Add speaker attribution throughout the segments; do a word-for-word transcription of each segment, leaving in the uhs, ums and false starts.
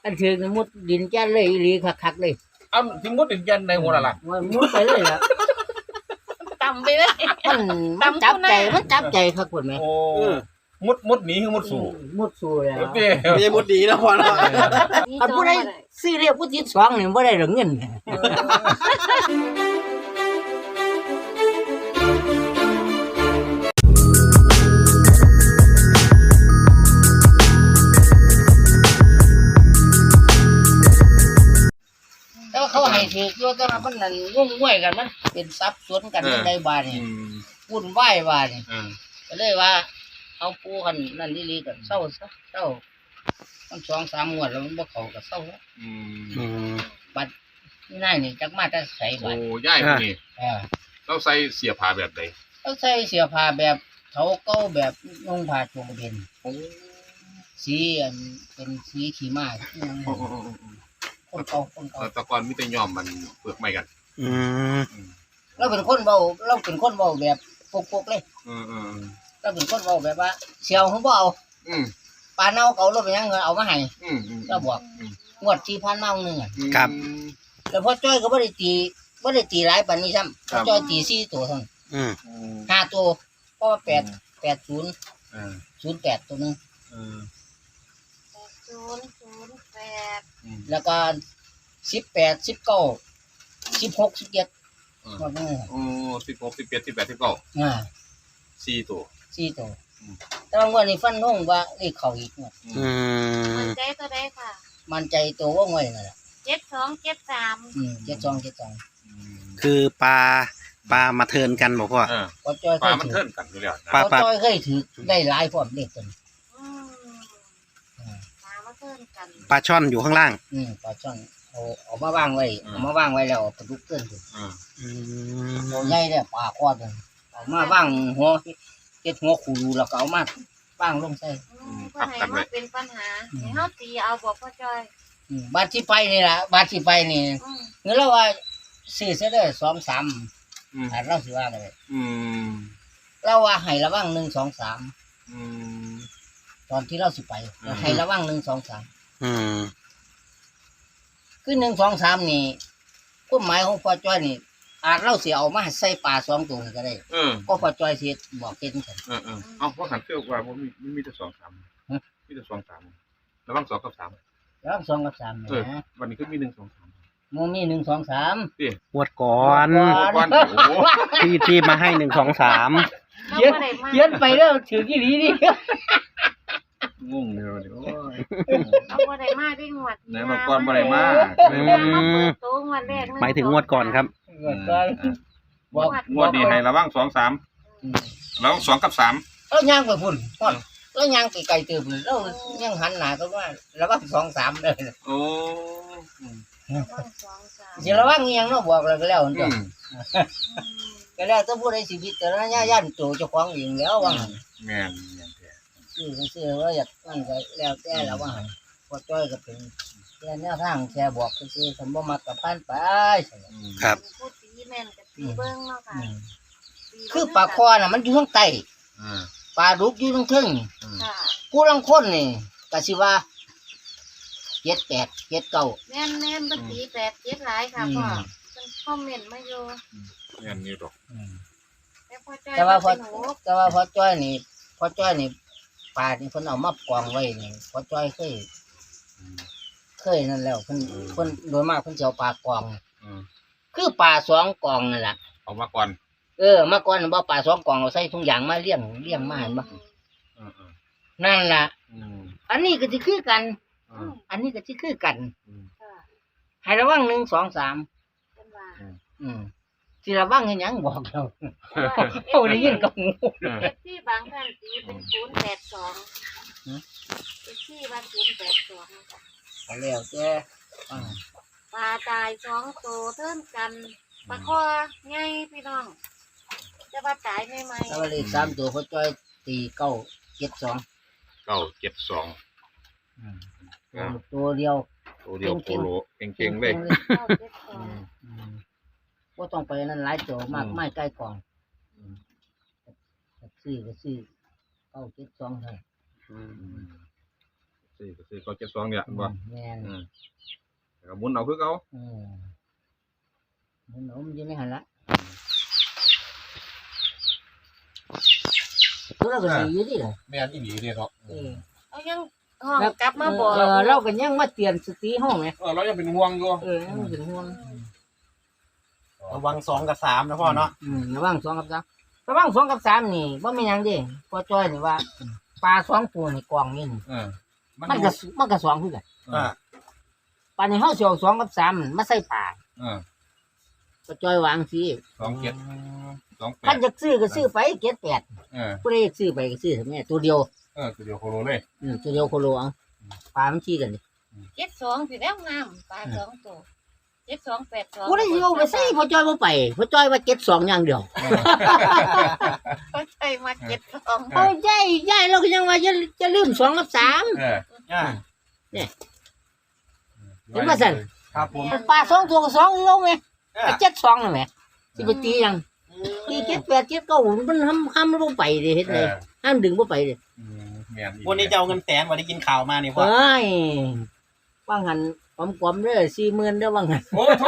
Speaker 1: อันถือมุดดินแจ้นเลยอีหลีคักๆเลย
Speaker 2: เอาถึงมุดดินยันในหัวละล่ะ
Speaker 1: ว่ามุดไปเลยล่ะ
Speaker 3: ต่ำไปเลย
Speaker 1: มันมันจับใจมันจับใจครับคุณแม่
Speaker 2: โอ้มุดมุดหนีคือมุดสู่
Speaker 1: มุดสู่แล้ว
Speaker 2: โอเค
Speaker 4: ไม่ใช่มุดดีนะพ่อเนาะ
Speaker 1: อันผู้ใดซื้อเรียกผู้ที่สองนี่บ่ได้ดอกเงินแต่ว่าเขาให้ถืออยู่แต่ว่ามันนั่นงงงวยกันมันเป็นทรัพย์สวนกันในบ้านนี่วุ่นวายบ้านนี่ก็เลยว่าเอาปูกันนั่นลีๆกันเศร้าซะเศร้ามันสองสามงวดแล้วมันบ่เข้าก็เศร้าแล้ว
Speaker 2: อืม
Speaker 1: บัดง่ายนี่จักมาแต่ใส่บั
Speaker 2: โอ้
Speaker 1: ด
Speaker 2: ย่ายนี่
Speaker 1: เออ
Speaker 2: เราใส่เสียผ้าแบบไหน
Speaker 1: เขาใส่เสื้อผ้าแบบเถาเก่าแบบนุ่งผ้าโจงเป็น
Speaker 2: โอ้
Speaker 1: สีอันเป็นสีขี้ม้าอิหยังคนเก่าคนเก่า
Speaker 2: ตะกอนมีแต่ยอมมันเปลือกไม่กัน
Speaker 4: อืม
Speaker 1: เราเป็นคนเว้าเราเป็นคนเว้าแบบปกๆเลย
Speaker 2: อืมอืม
Speaker 1: เราเป็นคนเว้าแบบว่าเสี่ยวเขาบ่เอา
Speaker 2: อืม
Speaker 1: ปลาเน่าเก่าเราเป็นหยังเงินเอามาให้
Speaker 2: อืมอืม
Speaker 1: เราบอกงวดที่พันเน่าหนึงอ่ะ
Speaker 4: ครับ
Speaker 1: แล้วพอจ้อยก็บ่ได้ตีบ่ได้ตีหลายปานนี้ซ้ำพอจ้อยตีสี่ตัวเท่านั้น
Speaker 4: อืม
Speaker 1: ห้าตัวเพราะว่าแปดแปดศูนย์
Speaker 2: อ่า
Speaker 1: ศูนย์แปดตัวหนึง
Speaker 2: อืม
Speaker 3: ศูนย์ศูนย์แปด
Speaker 1: แล้วก็สิบแปดสิบเก้าสิบหกสิบเจ็ดหมดเลย
Speaker 2: โอ้สิบหกสิบเจ็ดสิบแปดสิบเก้า
Speaker 1: อ่า
Speaker 2: สี่ตัว
Speaker 1: สี่ตัวแต่ว่างวดนี้ฟันธงว่าเลขเข้าอีกงวด
Speaker 4: อืม
Speaker 3: มันใจตัวใดค่ะ
Speaker 1: มันใจตัวว่างวยนั่นแหละ
Speaker 3: เจ็ดสองเจ็ดสาม
Speaker 1: อืมเจ็ดสองเจ็ดสอง
Speaker 4: คือปลาปลามาเทิร์นกันบอกพ่อ
Speaker 2: อ่า
Speaker 1: พอจ้อยเค
Speaker 2: ปลาย มัน
Speaker 1: ถื
Speaker 2: เทิ
Speaker 1: อน
Speaker 2: กันอยู่แล้วนะ
Speaker 4: ปลา
Speaker 1: พอจ้อยเคยถือได้หลายพร้อมเลขตัวนี้
Speaker 3: อืมตามมาเพิ่มกัน
Speaker 4: ปลาช่อนอยู่ข้างล่าง
Speaker 1: อืมปลาช่อนเอาเอามาวางไว้เอามาวางไว้แล้วเอาปลาดุกเกินถึง
Speaker 2: อ่า
Speaker 4: อืม
Speaker 1: ตัวใหญ่เนี่ยปลาคอดเลยเอามาวางหัวเจ็ดหัวขูดูแล้วก็เอามาวางลงใส่
Speaker 3: อืมเพื่อให้มันเป็นปัญหาให้เฮาตีเอาบอกพ่อจอย
Speaker 1: อืมบาทที่ไปนี่ล่ะบาทที่ไปนี่
Speaker 3: อืม
Speaker 1: เงินเราว่าซื้อเสียได้สองสาม
Speaker 2: อืม
Speaker 1: ถ้าเราสิว่าเลย
Speaker 2: อืม
Speaker 1: เราว่าให้ระวังหนึ่งสองสาม
Speaker 2: อืม
Speaker 1: ตอนที่เราสิไป
Speaker 2: อืม
Speaker 1: ให้ระวังหนึ่งสองสาม
Speaker 4: อืม
Speaker 1: คือหนึ่งสองสามนี่ความหมายของพ่อจ้อยนี่ อาจเราเสียเอามาใส่ปลาสองตัวนี่ก็ได้
Speaker 2: เออ
Speaker 1: ก็พ่อจ้อยเสียบอกเก่งกัน
Speaker 2: เออเออเอาเพราะหันเที่ยวว่าผมมีมีมีแต่สองสามมีแต่สองสามระวังสองกับสาม
Speaker 1: แล้วสองกับสาม
Speaker 2: เออ
Speaker 1: นะ
Speaker 2: วันนี้ก็มีหนึ่งสองสาม
Speaker 1: โมมีหนึ่งสองสาม
Speaker 4: งวดก่อน
Speaker 2: วันโอ้โห
Speaker 4: ที่ที่มาให้หนึ่งสองสาม
Speaker 3: เรา
Speaker 1: เขียน
Speaker 3: บ่ได้มา
Speaker 1: เขียนไปแล้วถือกี่ดีนี่
Speaker 2: งงเลยวันนี้โอ้ย
Speaker 3: เราบ่ได้มาได้งวด
Speaker 2: ไหนมาก่อนบ่ได้มา
Speaker 4: อื
Speaker 3: มาเปิ
Speaker 4: ม
Speaker 3: ดตัวงวดแรก
Speaker 4: หมายถึงงวดก่อนครับ
Speaker 1: ก็บอก
Speaker 2: งวดนี้ให้ระวังสองสามระวังสองกับสาม
Speaker 1: แล้วย่างไปพุ่นพอดแล้วย่างไปไกลเติมเลยแล้วย่างหันหน้าก็ว่าระวังสองสามเลย
Speaker 2: โอ้
Speaker 3: ต้องสองสาม
Speaker 1: สิระวังอีหยังเนาะบอกแล้วก็แล้ว
Speaker 2: อื
Speaker 1: จ้ะ
Speaker 2: ม
Speaker 1: ก็แล้วถ้าผู้ใดสิพิจารณาย่านตัวเจ้าของเองแล้วว่าหั่น
Speaker 2: แม่นแม่นแท้
Speaker 1: ซื้อก็ซื้อว่าอยากนั่นก็แล้วแต่แล้วว่าหั่นพอจ้อยก็เป็นแค่แนวทางแค่บอกซื่อๆสมบ่มักกับผ่านไป
Speaker 2: อืม
Speaker 4: ครับ
Speaker 3: พูดตีแม่นกับตีเบิ้งเนาะค่ะ
Speaker 1: อืมคือปลาคอน่ะมันอยู่ข้างใต้
Speaker 2: อ่า
Speaker 1: ปลาดุกอยู่ข้างเทึง
Speaker 2: อืม
Speaker 3: ค่ะ
Speaker 1: ผู้ลังคนนี่ก็สิว่าเจ็ดแปดเจ็ดเก้า
Speaker 3: แม่นแม่นบ่ตีแปดเจ็ดหลายค่ะพ่อเพิ่นคอมเมนต์มาอยู่
Speaker 2: แม่นนี่ดอก
Speaker 3: แต่พ่อจอย
Speaker 1: แต่ว่าพอ
Speaker 3: เป็นหนู
Speaker 1: แต่ว่าพอจ้อยนี่พอจ้อยนี่ปลาที่เพิ่นเอามากองไว้นี่พอจ้อยเคย
Speaker 2: อืม
Speaker 1: เคยนั่นแล้วเพิ่นเพิ่นโดยมากเพิ่นจะเอาปลากอง
Speaker 2: อืม
Speaker 1: คือปลาสองกองนั่นแหละ
Speaker 2: เอามาก่อน
Speaker 1: เออเมื่อก่อนบ่ปลาสองกองเอาใส่ถุงยางมาเลี้ยงเลี้ยงมาเห็นบ่
Speaker 2: อืมอืม
Speaker 1: นั่นล่ะ
Speaker 2: อืม
Speaker 1: อันนี้ก็สิคือกัน
Speaker 2: อืม
Speaker 1: อันนี้ก็สิคือกัน
Speaker 2: อืม
Speaker 3: ค่ะ
Speaker 1: ให้ระวังหนึ่งสองสาม
Speaker 3: เป็นว่า
Speaker 1: อืมสิระวังให้หยังบอกเรา
Speaker 3: เพราะว่า
Speaker 1: เอาได้ยินกับหู
Speaker 2: เออ
Speaker 3: เอฟซีบางท่านตีเป็นศูนย์แปดสองเอฟซีบางศูนย์แปดสองนะคะ
Speaker 1: เอาแล้วแต่อ่า
Speaker 3: ปลาตายสองตัวเท่ากันปลาคอไงพี่น้องจะว่าตายไหมไหม
Speaker 1: ถ้าว่าเลขสามตัวพอจ้อยตีเก้าเจ็ดสอง
Speaker 2: เก้าเจ็ดสอง
Speaker 1: อืม
Speaker 2: อ่า
Speaker 1: ตัวเดียว
Speaker 2: ตัวเดียวโคโลเก่งๆเลย
Speaker 3: เก้าเจ็ดสอง
Speaker 1: อืมบ่ต้องไปนั่นหลายตัวมากไม่ใกล้กอง
Speaker 2: อืม
Speaker 1: ซื้อก็ซื้อเก้าเจ็ดสองให้
Speaker 4: อืม
Speaker 2: ซื้อซื้อก็ซื้อก็เจ็ดสองเนี่ยบ่
Speaker 1: แม่น
Speaker 2: อืมแล้วก็หมุนเอาคือเก่า
Speaker 1: อืมมันหนมอยู่ในหันละตัวเราก็ดีอยู่ดิล่ะ
Speaker 2: แม่นอีหลีเด้เนาะ
Speaker 1: เออ
Speaker 3: เอายังห้องกลับมาบอก
Speaker 1: เออเราก็ยังมาเตือนสติห้องไง
Speaker 2: เออเรายังเป็นห่วงอยู่
Speaker 1: เออยังเป็นห่วง
Speaker 4: ระวังสองกับสามนะพ่อเนาะ
Speaker 1: อืมระวังสองกับสามระวังสองกับสามนี่ว่าไม่ยังเดิพอจ้อยนี่ว่าปลาสองตัวนี่กองนี่นี่
Speaker 2: เออ
Speaker 1: มันก็มันก็สองคือกัน
Speaker 2: อ่า
Speaker 1: ปลาในห้องเสียวสองกับสามมาใส่ปลา
Speaker 2: เออ
Speaker 1: พอจ้อยวางสิ
Speaker 2: สองเจ็ดสองแป
Speaker 1: ท่า
Speaker 2: ด
Speaker 1: นจะซื้อก็ซื้อไปเจ็ดแปด
Speaker 2: เออ
Speaker 1: ผู้ใดอยากซื้อไปก็ซื้อเถอะแม่ตัวเดียว
Speaker 2: เออตัวเดียวโคโลเลย
Speaker 1: อืมตัวเดียวโคโลเอาปลามันขี้กันดิ
Speaker 3: เจ็ดสองสิแล้วงามปลาสองตัวเจ็ดสองแปดสอง
Speaker 1: ผู้ใดสิเอาไปใส่พอจ้อยบ่ไปพอจ้อยว่าเจ็ดสองอย่างเดียว
Speaker 3: ก็ใช่มาเจ็ดสอง
Speaker 1: เอาใหญ่ใหญ่เราก็ยังว่าจะจะลืมสองกับสาม
Speaker 2: เออ
Speaker 4: อ่า
Speaker 1: เห็นว่าสั่น
Speaker 4: ครับผม
Speaker 1: ปลาสองตัวกับสองโลไงไปเจ็ดสองนั่นแหละสิไปตียังตีเจ็ดแปดเจ็ดเก้ามันห้ามห้ามบ่ไปเด้เฮ็ด
Speaker 2: เอ
Speaker 1: เลย
Speaker 2: อ
Speaker 1: ห้ามดึงบ่ไปเด้
Speaker 2: อืมแม่นอีหลี
Speaker 4: วันนี้จะเอาเงินแสนวันนี้กินข่าวมานี่พ่อ
Speaker 1: เอ้ยว่างหันกลมๆเด้อสี่หมื่นเด้อว่างหัน
Speaker 2: โอ้โห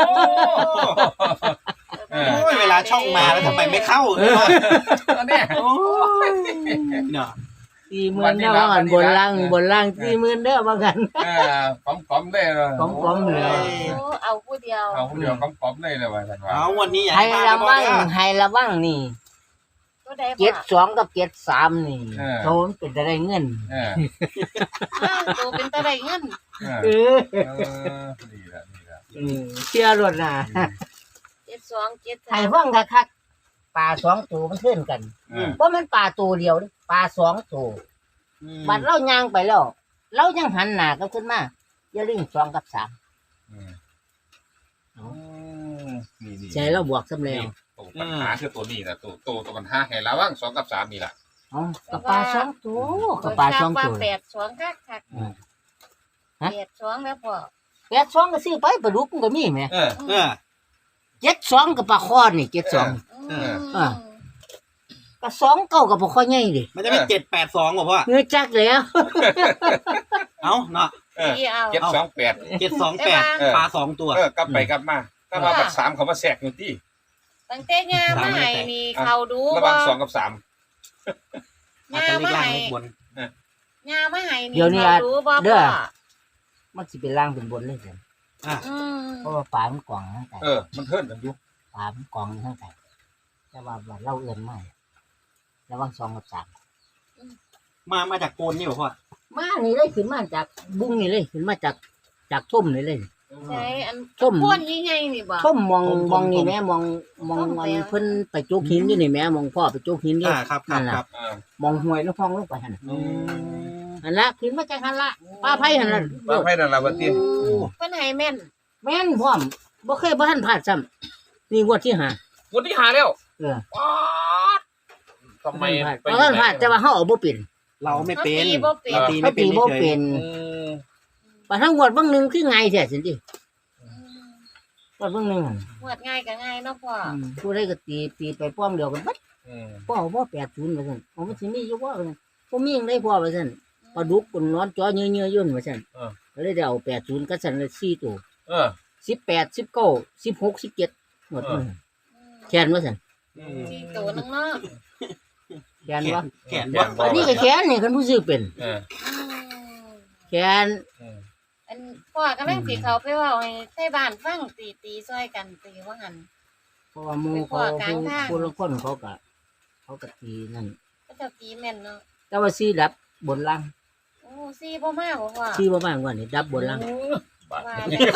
Speaker 2: เออ
Speaker 4: โอ้ยเวลาช่องมาแล้วทำไมไม่เข้าเลยพ่อ
Speaker 2: อันเนี้ย
Speaker 4: โอ้ยเนาะ
Speaker 1: สี่หมื่นเด้อว่างหันบนล่างบนล่างสี่หมื่นเด้อว่างหัน
Speaker 2: เออก้อมๆเลยเลย
Speaker 1: กลมๆเลย
Speaker 3: โอ้เอาผู้เดียว
Speaker 2: เอาผู้เดียวก้อมๆเลยเลยว่าซั่นว่า
Speaker 4: เอาวันนี้อย่า
Speaker 1: ให้
Speaker 4: ให้พลาด
Speaker 1: ระ
Speaker 4: นะพ่อ
Speaker 1: วัง
Speaker 4: เด้อ
Speaker 1: ให้ระวังนี่
Speaker 3: ก็ได้
Speaker 1: เจ็ด
Speaker 3: บ่
Speaker 1: สองกับเจ็ดสามนี่โทนเป็นได้เงิน
Speaker 2: เออ
Speaker 3: อ้าวตัวเป็นตะไดเงิน
Speaker 2: เออ
Speaker 1: เออ
Speaker 2: เออนี่แหละนี่แหละ
Speaker 1: อืมเชื่อรถนะ
Speaker 3: เจ็ดสองเจ็ด
Speaker 1: ให้
Speaker 3: สาม
Speaker 1: ฟังคักๆปลาสองตัวมันขึ้นกัน
Speaker 2: เออ
Speaker 1: เพราะมันปลาตัวเดียวเด้ปลาสองตัว
Speaker 4: อืม
Speaker 1: บัดเราย่างไปแล้วเรายังหันหน้าก็ขึ้นมาอย่าลืมสองกับสาม
Speaker 2: อืมอืมนี่นี่
Speaker 1: ใจเราบวกสำเร็จ
Speaker 2: นี่ตัวปัญหาคือตัวนี้นะตัวตัวตัวปัญหาให้ระวังสองกับสามนี่แหละ
Speaker 1: อ๋อกับปลาสองตัวกับปลาสองตัว
Speaker 3: แปดสองคักคัก
Speaker 1: อืมฮะ
Speaker 3: แปดสองแล้วพ่อ
Speaker 1: แปดสองก็ซื้อไปปลาดุกมันก็มีไหม
Speaker 2: เออ
Speaker 4: เออ
Speaker 1: เจ็ดสองกับปลาคอนี่เจ็ดสอง
Speaker 3: อืม
Speaker 1: อ่า ก็สองเก้ากับปลาคอใหญ่ดิ
Speaker 4: มันจะเป็นเจ็ดแปดสองป่ะพ่อ
Speaker 1: เงยจักแล้ว
Speaker 4: เอาเนาะ
Speaker 2: เออ
Speaker 3: ที่เอา
Speaker 2: เจ็ดสองแปด
Speaker 4: เจ็ดสองแปด
Speaker 2: เออ
Speaker 4: ปลาสองตัว
Speaker 2: เออกลับไปกลับมาถ้ามาบัดสามเขามาแทรกอยู่ที่
Speaker 3: ตั้งแต่ยามาให้นี่เขาดู
Speaker 2: ระวั
Speaker 3: ว่าง
Speaker 2: สองกับสาม
Speaker 4: อาจ
Speaker 3: ยา
Speaker 4: จะเล็ก
Speaker 3: มา
Speaker 4: ล่าง
Speaker 3: ให้
Speaker 4: เล็กบน
Speaker 3: ยามาให้นี่
Speaker 1: เดี๋ยวนี้
Speaker 3: เขาดูบ่
Speaker 1: เด้
Speaker 3: พ่
Speaker 1: อ
Speaker 3: อ
Speaker 1: มันสิเป็นล่างเป็นบนเลยสิ
Speaker 3: อืม
Speaker 1: เพราะว่าปลามันกล่องทั้งแต่
Speaker 2: เออมันเทินกันอยู่
Speaker 1: ปลามันกล่องทั้งแต่แต่ว่าว่าเราเอื่นไม่ระวังสองกับสาม
Speaker 4: มามาจากโกนนี่ป่ะพ่อ
Speaker 1: มานี่เลยขึ้นมาจากบุ้งนี่เลยขึ้นมาจากจากทุ่มนี่เลย
Speaker 3: ใช่อัน
Speaker 1: ทุ่ม
Speaker 3: พ่นใหญ่ๆนี่บ่
Speaker 1: ทุ่มมองมองนี่แม่มองมองมันเพิ่นไปจุกหินอยู่นี่แม่มองพ่อไปจุกหินอยู่
Speaker 4: อ่าครับครับครับ
Speaker 2: เออ
Speaker 1: มองห้วยแล้วพองลงไปหั่นน่ะ
Speaker 4: อืม
Speaker 1: หั่นละขึ้นมาจากหั่นละปลาไผ่หั่นละ
Speaker 2: บางไพ่นั่นละบัดนี้
Speaker 3: เพิ่นให้แม่น
Speaker 1: แม่นพร้อมบ่เคยบ่ทันพลาดซ้ำนี่งวดที่ห้า
Speaker 2: วันที่หาแล้ว
Speaker 1: เออ
Speaker 2: ป๊าดทำไม
Speaker 1: บ่ทันพลาดแต่ว่าเฮาเอาบ่เป็น
Speaker 4: เราไม่เป็น
Speaker 3: ตีบ่เป็น
Speaker 4: เราตี
Speaker 1: เขา
Speaker 4: ไม่เป็น
Speaker 1: ตีบ่
Speaker 4: เฉย
Speaker 1: เป็น
Speaker 2: อืม
Speaker 1: ปลาทั้งงวดบางหนึงคือไงแท้สิติ
Speaker 3: อืม
Speaker 1: งวดบางหนึงหั่น
Speaker 3: หวดง่ายก็ง่ายเนาะพ่อ
Speaker 1: อืมผู้ใดก็ตีตีไปป้อมเดียวกันบัด
Speaker 2: อืม
Speaker 1: พ่อบ่แปดศูนย์ว่าซั่นเอามันสิมีอยู่บ่ว่าซั่นบ่มีหยังได้พ่อว่าซั่นปลาดุกคนนอนจ่อเยื่อๆยุ่นว่าซั่นก็เลยได้เอาแปดศูนย์กับซั่นเลยสี่ตัว
Speaker 2: เออ
Speaker 1: สิบแปด สิบเก้า สิบหก สิบเจ็ดหมดมื้อ
Speaker 3: อืม
Speaker 1: แขนว่าซั่น
Speaker 2: อืม
Speaker 3: สี่ตัวนึงเนาะ
Speaker 1: แขนว่า
Speaker 4: แขน
Speaker 2: แข
Speaker 4: บ่
Speaker 2: นบ่
Speaker 1: อันนี้ก็แขนนี่คันผู้ซื้อเป็น
Speaker 2: เออ
Speaker 3: อืม
Speaker 1: แขน
Speaker 2: เออ
Speaker 3: อันพ่อกำลังสิเขาไปเว้าให้ใส่บ้านฟังตีตีซอยกันตีว่าหั่น
Speaker 1: เพราะว่าหมู่เขา
Speaker 3: ไปขวากลางทาง
Speaker 1: ผู้ละคนเขาก็เขาก็ตีนั่น
Speaker 3: ก็เจ้าตีแม่นเนาะ
Speaker 1: แต่ว่าซีดับบนล่าง
Speaker 3: โอ้ซี่บ่มาบ่พ่อ
Speaker 1: ซีบ่มากกว่านี่ดับบนล่าง
Speaker 2: บาด
Speaker 3: ว่า
Speaker 2: นี้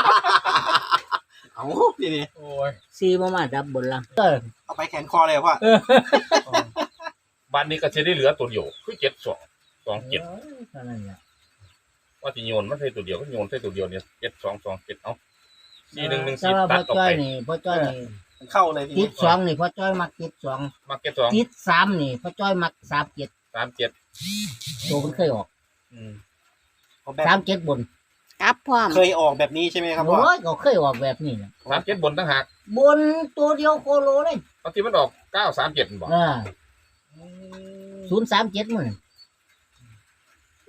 Speaker 4: เอาทีนี้
Speaker 2: โอ้ย
Speaker 1: ซีบ่มาดับบนล่างเออ
Speaker 4: เอาไปแขนคอเลยพ่อ
Speaker 2: บ้านนี้ก็จะได้เหลือตัวเดียวคือเจ็ดสองสองเจ็ด
Speaker 1: เท่านั้นแหละ
Speaker 2: ว่าจะโยนมันใช่ตัวเดียวก็โยนใช่ตัวเดียวเนี่ยเจ็ดสองสองเจ็ดเอาสี่หนึ่งหนึ่ง
Speaker 1: แต่
Speaker 2: สี่
Speaker 1: ว่า
Speaker 2: ตั
Speaker 1: พ่
Speaker 2: ด
Speaker 1: อ
Speaker 2: ออก
Speaker 1: จ้อ
Speaker 2: ไป
Speaker 1: ยนี่พ่อจ้อยนี่
Speaker 4: มันเข้าเลยที
Speaker 1: ติ
Speaker 4: นี้
Speaker 1: ดสองนี่พ่อจ้อยมักติดสอง
Speaker 2: มาเก็ตสอง
Speaker 1: ติดสามนี่พ่อจ้อยมักสามเจ็ด
Speaker 2: สามเจ็ด
Speaker 1: ตัวมันเคยออก
Speaker 2: อืม
Speaker 4: เอาแบบ
Speaker 1: สามเจ็ดบน
Speaker 3: กลับพร้อม
Speaker 4: เคยออกแบบนี้ใช่ไหมครับพ่อ
Speaker 1: โอ้ยก็เคยออกแบบนี้แหละ
Speaker 2: สามเจ็ดบนตั้งหาก
Speaker 1: บนตัวเดียวโคโลเลย
Speaker 2: บางทีมันออกเก้าสามเจ็ดบอก
Speaker 1: อ่าศูนย์สามเจ็ดมัน
Speaker 2: โอ้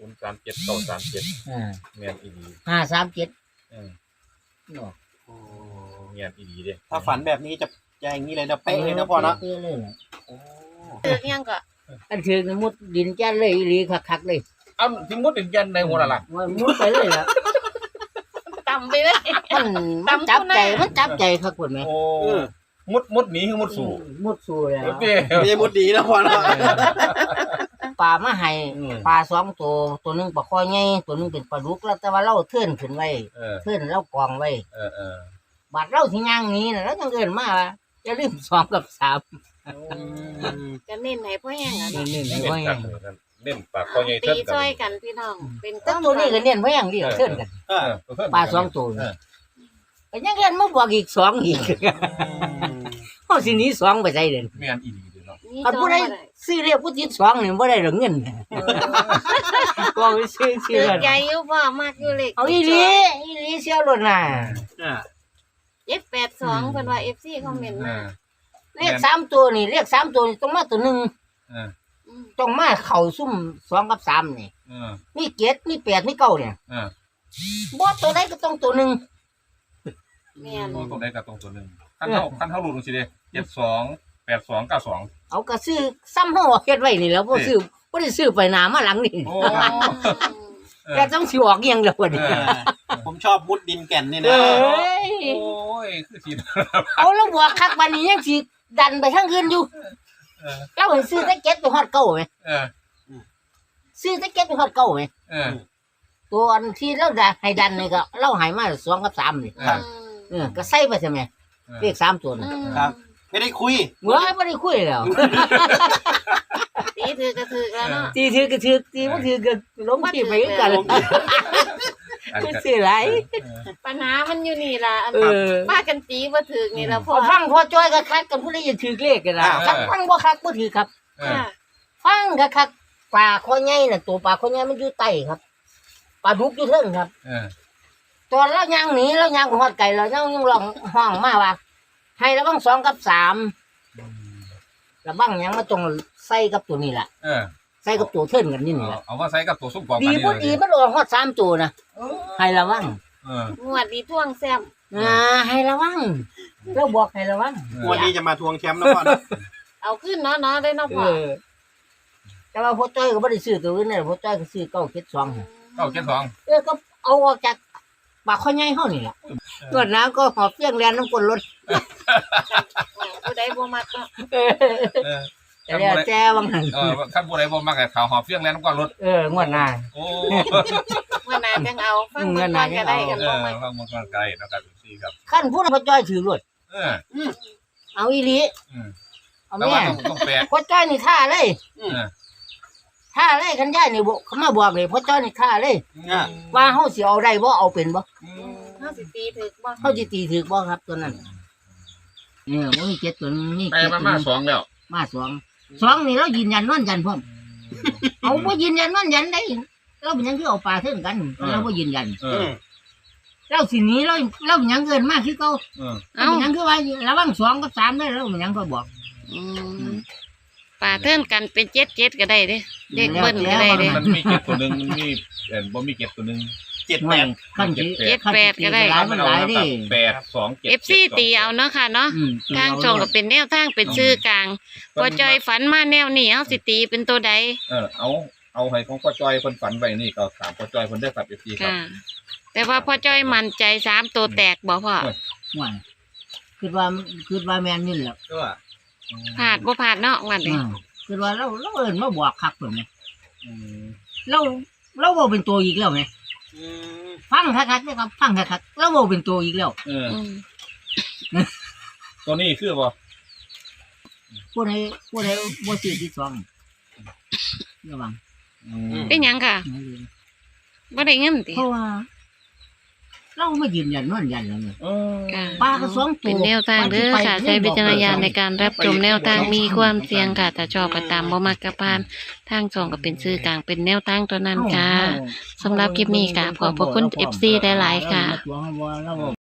Speaker 2: ศูนย์สามเจ็ดเก้าสามเจ็ด
Speaker 1: อ่า
Speaker 2: แม่นอีดี
Speaker 1: ห้าสามเจ็ด
Speaker 2: เออ
Speaker 1: เนาะ
Speaker 4: โอ้
Speaker 2: แม่นอีดีเด้
Speaker 4: ถ้าฝันแบบนี้จะจะอย่างนี้เลยนะเป๊ะเลยนะพ่อเนาะ
Speaker 1: เป๊ะเลยล่ะ
Speaker 4: โอ้
Speaker 3: เลือกยังก็
Speaker 1: อันถือมุดดินแจ้นเลยอีหลีคักๆเลย
Speaker 2: เอาสิมุดเป็นยันในหัวละล่ะ
Speaker 1: ว่ามุดไปเลยล่ะ
Speaker 3: ต่ำไปเลย
Speaker 1: มันมันจับใจมันจับใจคักพุ่นแม่
Speaker 2: โอ้มุดมุดหนีคือมุดสู่
Speaker 1: มุดสู่แล้ว
Speaker 2: โอเค
Speaker 4: ไม่ใช่มุดดีนะพ่อเนาะ
Speaker 1: ปลามาให้
Speaker 2: อืม
Speaker 1: ปลาสองตัวตัวหนึงปลาคอใหญ่ตัวหนึงเป็นปลาดุกแล้วแต่ว่าเราเทื่อนขึ้นไว้
Speaker 2: เออ
Speaker 1: เทื่อนเรากองไว้
Speaker 2: เออเออบ
Speaker 1: าดเราสิย่างหนี้น่ะแล้วจังเอิ้นมาว่าอย่าลืมสองกับสาม
Speaker 3: จะเน้นให้พ่อแห้งอ่ะเนาะ
Speaker 1: นี่
Speaker 2: เน้
Speaker 1: ๆ
Speaker 2: น
Speaker 1: ไว้
Speaker 2: กันเลยนั่นเน้นปากคอใหญ่
Speaker 3: ตี
Speaker 2: เท่า
Speaker 3: ซ
Speaker 2: กั
Speaker 3: อย
Speaker 2: น
Speaker 3: กันพี่น้อง เป็นค
Speaker 1: แต่
Speaker 3: วาม
Speaker 1: ตัวนี้ก็
Speaker 3: ฝัน
Speaker 1: เน้นไว้อย่างเดียวเทื่อนกัน
Speaker 4: เออ
Speaker 2: เออ
Speaker 1: ปลาสองตัว
Speaker 2: เออ
Speaker 1: ก็ยังเอิ้นมาบวกอีกสองอีกเฮาสิหนีสองไปใส่เด่น
Speaker 2: แม่นอีดีเด้อเนาะ
Speaker 3: นี่
Speaker 1: คัน
Speaker 3: จอง
Speaker 1: ผู้ใด
Speaker 3: บ่ได้
Speaker 1: ซื้อเรียกผู้ติดสองนี่บ่ได้ดอกเงินก็ไปซื้อซื้
Speaker 3: ถื
Speaker 1: อ
Speaker 3: อ
Speaker 1: กัน
Speaker 3: ใจอยู่พ่อมากอยู่เลข
Speaker 1: เอาอีหลีอีหลีเสียวรถน่ะ
Speaker 4: อ่า
Speaker 3: เจ็ดแปดสองเพิ่นว่า เอฟ ซี คอมเมนต์
Speaker 2: เอ
Speaker 3: มา
Speaker 2: อ
Speaker 1: เลขสามตัวนี่เลขสามตัวนี่ต้องมาตัวหนึง
Speaker 2: เออ
Speaker 3: อืม
Speaker 1: ต้องมาเข้าซุ่มสองกับสามนี่
Speaker 2: เออ
Speaker 1: มีเจ็ดมีแปดมีเก้าเนี่ย
Speaker 2: เออ
Speaker 1: บ่ตัวใดก็ต้องตัวหนึง
Speaker 3: แม่น
Speaker 2: โอ้ตรงใดกับตรงตัวหนึ่งขั้นเท่าขั้นเท่ารูดลงสิเด้เจ็ดสองแปดสองเก้าสอง
Speaker 1: เอาก็ซื้อซ้ำเฮาเฮ็ดไว้นี่แหล้วบ่ซื้อบ่ได้ซื้อไปหน้ามาหลังนี่
Speaker 2: โอ้ เออ
Speaker 1: แต่ต้องสิออกเอียงแล้วบัดนี้
Speaker 2: เออ
Speaker 4: ผมชอบมุดดินแก่นนี่
Speaker 1: เอ
Speaker 4: นะ
Speaker 1: ้ย
Speaker 2: โอ้ยคือสิ
Speaker 1: เอาแล้วบวกคักบัดนี้ยังสิดันไปทางอื่นอยู่
Speaker 2: เออ
Speaker 1: เราเห็นซื้อแต่เจ็ดไปฮอดเก้าไหม
Speaker 2: เออ
Speaker 1: ซื้อแต่เจ็ดไปฮอดเก้าไหม
Speaker 2: เออ
Speaker 1: ตัวอันที่เราได้ให้ดันนี่ก็เราให้มาสองกับสามนี่
Speaker 2: เออ
Speaker 1: เออก็ใส่ไปใช่ไหมเลขสามตัวนี่
Speaker 4: ครับ ไม่ได้คุย
Speaker 1: เมื่อไม่ได้คุยแล้ว
Speaker 3: ตีถือกระถือแล้วเนาะ
Speaker 1: ตีถือก็ถือตีบ่ถือก็ล้มที่ไปกัน
Speaker 2: อัน
Speaker 1: มัน
Speaker 2: ก็
Speaker 1: สิหลาย
Speaker 3: ปัญหามันอยู่นี่ล่ะอัน
Speaker 1: เออ
Speaker 3: ว่ากันตีบ่ถือนี่ล่ะพ่อ
Speaker 1: พอฟังพอจ้อยก็คักกันผู้ใดจะถือเลขกันล่ะคักฟังบ่คักบ่ถือครับ
Speaker 2: เออ
Speaker 3: ค่ะ
Speaker 1: ฟังก็คักปลาคอใหญ่น่ะตัวปลาคอใหญ่มันอยู่ใต้ครับปลาดุกอยู่เทิงครับ
Speaker 2: เออ
Speaker 1: ตอนเราย่างหนีเราย่างไปฮอดไก่เรายังยังร้องห้องมาว่าให้ระวังสองกับสามระวังหยังมาตรงใส่กับตัวนี้ล่ะ
Speaker 2: เออ
Speaker 1: ใส่กับตัวเทินกันนี่นี่
Speaker 2: เอา
Speaker 1: ล่ะ
Speaker 2: เอาว่าใส่กับตัวซุปกรอบ
Speaker 1: ดี
Speaker 2: กันนี่
Speaker 1: บ่
Speaker 2: เลย
Speaker 1: ดีมันออกฮอดสามตัวนะให้ระวัง
Speaker 2: เออง
Speaker 3: วดดีท่วงแซม
Speaker 1: อ่าให้ระวังเราบอกให้ระวัง
Speaker 4: วันนี้จะมาทวงแชมป์นะพ่อนะ
Speaker 3: เอาขึ้นเนาะเนาะได้เนาะ
Speaker 1: เอ
Speaker 3: พ่อ
Speaker 1: อแต่ว่าพ่อจ้อยก็บ่ได้ซื้อตัวอื่นน่ะพ่อจ้อยก็ซื้อเก้าเจ็ดสอง
Speaker 2: เก้าเจ็ดสอง
Speaker 1: เออก็เอาออกจากปากข้อใหญ่เฮานี่ล่ะตรวจน้ำก็หอบเสียงแลนน้ำกลนรถ
Speaker 3: ผู้ใดบ่มักเนาะ
Speaker 1: เออ
Speaker 2: เออ
Speaker 1: แต่แล้วแจ้วังหัน
Speaker 2: เออขั้นบัวใดบ่มากกับข่าวหอบเฟี้ยงแล้วน้ำก้อนรถ
Speaker 1: เอองวดหน้า
Speaker 2: โอ้
Speaker 3: เมื่อนานจังเอาฟัง
Speaker 1: อืมเมื่
Speaker 3: เมื่อ
Speaker 1: อนาน
Speaker 3: ก็ได้กัน
Speaker 2: เอ
Speaker 3: บ่
Speaker 2: อ
Speaker 3: มัก
Speaker 2: ฟังมันก็ไกลนะครับพี่ครับ
Speaker 1: ขั้นพูดให้พ่อจ้อยถือรถ
Speaker 2: เออ
Speaker 1: เอาอีหลี
Speaker 2: อืม
Speaker 1: เอา
Speaker 2: แต่
Speaker 1: แม่
Speaker 2: ว่าต้องต้องแปล
Speaker 1: พ่อจ้อยนี่ท่าเลย
Speaker 2: เออ
Speaker 1: ท่าเลยคันย่ายนี่บ่เขามาบอกเลยพ่อจ้อยนี่ท่าเลย
Speaker 4: อ่า
Speaker 1: ว่าเฮาสิเอาได้บ่เอาเป็นบ่
Speaker 2: อืม
Speaker 3: เฮาสิตีถึกบ่
Speaker 1: เฮาสิตีถือบ่ครับตัวนั้นเนี่ยบ่มีเจ็ดตัวนี้
Speaker 2: ไป
Speaker 1: เจ็ด
Speaker 2: มา
Speaker 1: ตัว
Speaker 2: มา
Speaker 1: นี้
Speaker 2: สองแล้ว
Speaker 1: มาสองสองนี่เรายืนยันนอนยันพร้อมเอาบ่ยืนยันนอนยันได้เราเป็นหยังคือเอาปลาเทิงกันเราบ่ยืนยัน
Speaker 2: เอ
Speaker 4: อื
Speaker 2: อ
Speaker 4: ม
Speaker 1: เราสิหนี้เราเราเป็นหยังเกินมากคือเก่า
Speaker 2: เออ
Speaker 1: เราเป็นหยังคือว่าระวังสองกับสามได้เราเป็นหยังก็บอก
Speaker 3: อืมป่าเทินกันเป็นเจ็ดเจ็ดก็ได้เด้เด็กเบิ้ลก็ได้เด้
Speaker 2: มันมีเก็บตัวหนึ่งมันมีเออบ่มีเก็บตัวหนึ่ง
Speaker 4: เจ็ด
Speaker 1: ห
Speaker 4: แป
Speaker 1: น่วย
Speaker 4: ด
Speaker 1: ขั้นสิ
Speaker 3: เจ็ดแปดก็ได้
Speaker 1: หลายมันหลายดิ
Speaker 2: แปดสองเจ็ด
Speaker 3: เอฟซีตีเอาเนาะค่ะเนาะ
Speaker 1: อืม
Speaker 3: ทางช่องก็เป็นแนวทางเป็นชื่อกลางพอจอยฝันมาแนวนี้เฮาสิตีเป็นตัวใด
Speaker 2: เออเอาเอาให้ของพ่อจอยคนฝันไว้นี่ก็ถามพ่อจอยคนได้ครับเอฟซีครับ
Speaker 3: ค่ะ แต่ว่าพอจอยมั่นใจสามตัวแตกบ่พ่อ
Speaker 1: หน่วยคือว่าคือว่าแมนนี่แหละ
Speaker 4: ก็
Speaker 3: พลาดบ่พลาดเนาะวันนี้
Speaker 1: อ่าคือว่าเราเราเอิ้นมาบอกคักเพิ่นไง
Speaker 2: อืม
Speaker 1: เราเราบ่เป็นตัวอีกแล้วไง
Speaker 4: อืม
Speaker 1: ฟังคักๆนะครับฟังคักๆเราบ่เป็นตัวอีกแล้ว
Speaker 2: เออ
Speaker 3: อืม
Speaker 2: ตัวนี้คือบ่
Speaker 1: ผู้ใดผู้ใดบ่ซื้อที่สองระวัง
Speaker 2: อืม
Speaker 3: เป็นหยังค่ะบ่ได้เงินติ
Speaker 1: เพราะว่า เราไม่ยืนยันนอนยันแล้วไง
Speaker 2: เออ
Speaker 3: ค่ะ
Speaker 1: ปลาก็สองตัว
Speaker 3: เป็นแนวทางเด้อค่ะใช้วิจารณญาณในการรับชมแนวทางมีความเสี่ยงค่ะแต่ชอบก็ตามบ่มักก็ผ่านทางช่องก็เป็นชื่อกลางเป็นแนวทางตัวนั้นค่ะ สำหรับคลิปนี้ค่ะขอบพระคุณ เอฟ ซี หลายๆค่ะ
Speaker 1: เรา